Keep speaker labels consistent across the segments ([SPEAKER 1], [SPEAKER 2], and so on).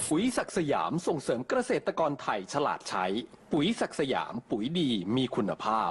[SPEAKER 1] ปุ๋ยศักดิ์สยามส่งเสริมเกษตรกรไทยฉลาดใช้ปุ๋ยศักดิ์สยามปุ๋ยดีมีคุณภาพ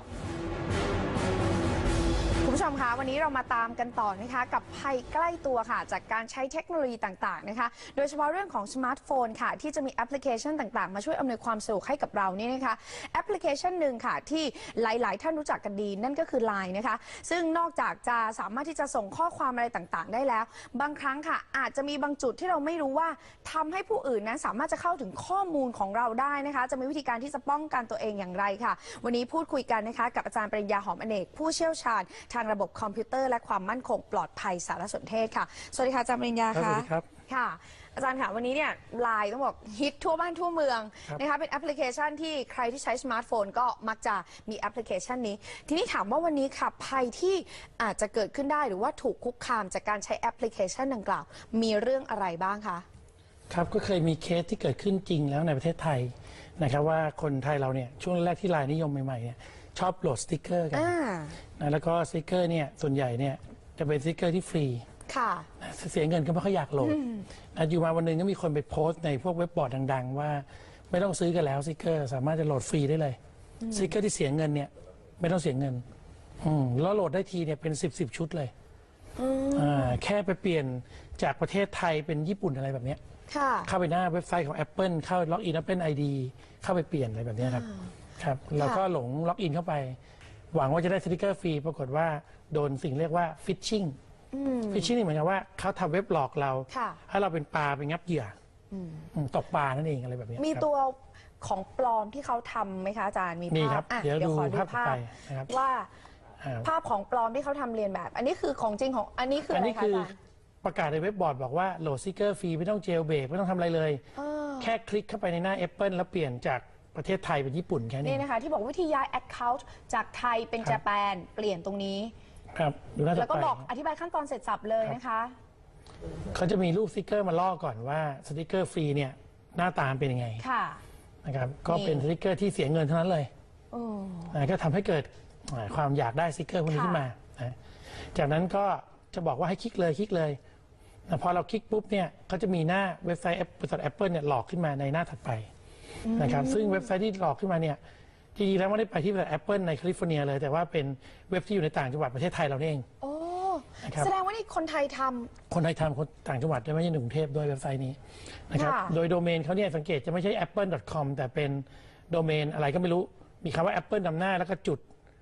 [SPEAKER 2] คุณผู้ชมคะวันนี้เรามาตามกันต่อนะคะกับภัยใกล้ตัวค่ะจากการใช้เทคโนโลยีต่างๆนะคะโดยเฉพาะเรื่องของสมาร์ทโฟนค่ะที่จะมีแอปพลิเคชันต่างๆมาช่วยอำนวยความสะดวกให้กับเรานี่นะคะแอปพลิเคชันหนึ่งค่ะที่หลายๆท่านรู้จักกันดีนั่นก็คือ LINE นะคะซึ่งนอกจากจะสามารถที่จะส่งข้อความอะไรต่างๆได้แล้วบางครั้งค่ะอาจจะมีบางจุดที่เราไม่รู้ว่าทำให้ผู้อื่นนั้นสามารถจะเข้าถึงข้อมูลของเราได้นะคะจะมีวิธีการที่จะป้องกันตัวเองอย่างไรค่ะวันนี้พูดคุยกันนะคะกับอาจารย์ปริญญาหอมอเนกผู้เชี่ยวชาญทางระบบคอมพิวเตอร์และความมั่นคงปลอดภัยสารสนเทศค่ะสวัสดีค่ะอาจารย์ปริญญาค่ะ
[SPEAKER 3] สวัสดีครับ
[SPEAKER 2] ค่ะอาจารย์ค่ะวันนี้เนี่ยไลน์ต้องบอกฮิตทั่วบ้านทั่วเมืองนะคะเป็นแอปพลิเคชันที่ใครที่ใช้สมาร์ทโฟนก็มักจะมีแอปพลิเคชันนี้ทีนี้ถามว่าวันนี้ค่ะภัยที่อาจจะเกิดขึ้นได้หรือว่าถูกคุกคามจากการใช้แอปพลิเคชันดังกล่าวมีเรื่องอะไรบ้างคะ
[SPEAKER 3] ครับก็เคยมีเคสที่เกิดขึ้นจริงแล้วในประเทศไทยนะครับว่าคนไทยเราเนี่ยช่วงแรกที่ไลน์นิยมใหม่ๆเนี่ยชอบโหลดสติ๊กเกอร์กันนะแล้วก็สติ๊กเกอร์เนี่ยส่วนใหญ่เนี่ยจะเป็นสติ๊กเกอร์ที่ฟรี
[SPEAKER 2] ค่ะ
[SPEAKER 3] เสียเงินก็ไม่ค่อยอยากโหลดอยู่มาวันหนึ่งก็มีคนไปโพสต์ในพวกเว็บบอร์ดดังๆว่าไม่ต้องซื้อกันแล้วสติ๊กเกอร์สามารถจะโหลดฟรีได้เลยสติ๊กเกอร์ที่เสียเงินเนี่ยไม่ต้องเสียเงินแล้วโหลดได้ทีเนี่ยเป็น10 ชุดเลยแค่ไปเปลี่ยนจากประเทศไทยเป็นญี่ปุ่นอะไรแบบนี้เข้าไปหน้าเว็บไซต์ของ Apple เข้าล็อกอิน Apple ID เข้าไปเปลี่ยนอะไรแบบนี้ครับแล้วก็หลงล็อกอินเข้าไปหวังว่าจะได้สติ๊กเกอร์ฟรีปรากฏว่าโดนสิ่งเรียกว่าฟิชชิ่งนี่เหมือนกับว่าเขาทำเว็บหลอกเราให้เราเป็นปลาไปงับเหยื่อตกปลานั่นเองอะไรแบบนี้
[SPEAKER 2] มีตัวของปลอมที่เขาทำไหมคะอาจารย์มีภาพ
[SPEAKER 3] เดี๋ยวขอดูภาพไป
[SPEAKER 2] ว่าภาพของปลอมที่เขาทำเรียนแบบอันนี้คือของจริงของอันนี้คืออะไรคะอาจารย์
[SPEAKER 3] ประกาศในเว็บบอร์ดบอกว่าโหลดสติ๊กเกอร์ฟรีไม่ต้องเจลเบรกไม่ต้องทำอะไรเลยแค่คลิกเข้าไปในหน้า Apple แล้วเปลี่ยนจากประเทศไทยเป็นญี่ปุ่นแค่นี้
[SPEAKER 2] นี่นะคะที่บอกวิธีย้าย Account จากไทยเป็นญี่ปุ่นเปลี่ยนตรงนี้
[SPEAKER 3] ครับ
[SPEAKER 2] แล้วก็บอกอธิบายขั้นตอนเสร็จสับเลยนะคะ
[SPEAKER 3] เขาจะมีรูปสติ๊กเกอร์มาล่อก่อนว่าสติ๊กเกอร์ฟรีเนี่ยหน้าตาเป็นยังไงนะครับก็เป็นสติ๊กเกอร์ที่เสียเงินเท่านั้นเลยก็ทำให้เกิดความอยากได้สติ๊กเกอร์พวกนี้ขึ้นมาจากนั้นก็จะบอกว่าให้คลิกเลยพอเราคลิกปุ๊บเนี่ยเขาจะมีหน้าเว็บไซต์บริษัท Apple เนี่ยหลอกขึ้นมาในหน้าถัดไปนะครับซึ่งเว็บไซต์ที่หลอกขึ้นมาเนี่ยจริงๆแล้วไม่ได้ไปที่บริษัท Apple ในแคลิฟอร์เนียเลยแต่ว่าเป็นเว็บที่อยู่ในต่างจังหวัดประเทศไทยเราเอง
[SPEAKER 2] โอ้แสดงว่านี่คนไทยทำ
[SPEAKER 3] คนต่างจังหวัดไม่ใช่ในกรุงเทพด้วยเว็บไซต์นี้นะครับโดยโดเมนเขาเนี่ยสังเกตจะไม่ใช่ apple.com แต่เป็นโดเมนอะไรก็ไม่รู้มีคำว่า Apple นำหน้าแล้วก็จุด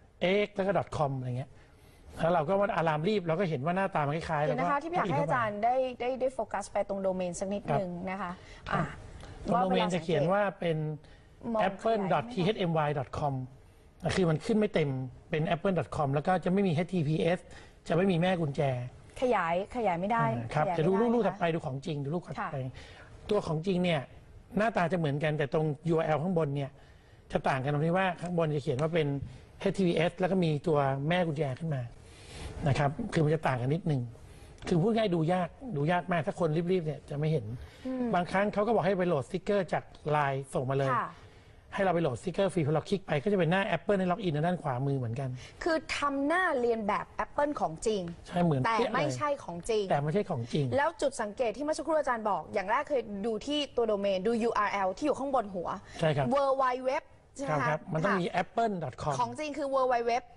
[SPEAKER 3] x แล้วก็ .com อะไรเงี้ยแล้วเราก็ว่าอารามรีบเราก็เห็นว่าหน้าตามันคล้ายๆ
[SPEAKER 2] แล้วนะคะที่อยากให้อาจารย์ได้โฟกัสไปตรงโดเมนสักนิดนึงนะคะ
[SPEAKER 3] ตรงโดเมนจะเขียนว่าเป็น apple.thmy.com คือมันขึ้นไม่เต็มเป็น apple.com แล้วก็จะไม่มี https จะไม่มีแม่กุญแจ
[SPEAKER 2] ขยายไม่ได้
[SPEAKER 3] ครับจะดูรูปถัดไปดูของจริงดูรูปถัดไปตัวของจริงเนี่ยหน้าตาจะเหมือนกันแต่ตรง URL ข้างบนเนี่ยจะต่างกันตรงที่ว่าข้างบนจะเขียนว่าเป็น https แล้วก็มีตัวแม่กุญแจขึ้นมานะครับคือมันจะต่างกันนิดนึงคือพูดง่ายดูยากมากถ้าคนรีบๆเนี่ยจะไม่เห็นบางครั้งเขาก็บอกให้ไปโหลดสติ๊กเกอร์จากไลน์ส่งมาเลยให้เราไปโหลดสติ๊กเกอร์ฟรีพอเราคลิกไปก็จะเป็นหน้า Apple ในล็อกอินด้านขวามือเหมือนกัน
[SPEAKER 2] คือทำหน้าเรียนแบบ Apple ของจริง
[SPEAKER 3] ใช่เหมือน
[SPEAKER 2] แต่ไม่ใช่ของจริงแล้วจุดสังเกตที่เมื่อสักครู่อาจารย์บอกอย่างแรกเคยดูที่ตัวโดเมนดู URL ที่อยู่ข้างบนหัว
[SPEAKER 3] ใช่ครับ
[SPEAKER 2] worldwide web ใช่ไหม
[SPEAKER 3] ครับมันต้องมี apple.com
[SPEAKER 2] ของจริงคือ worldwide web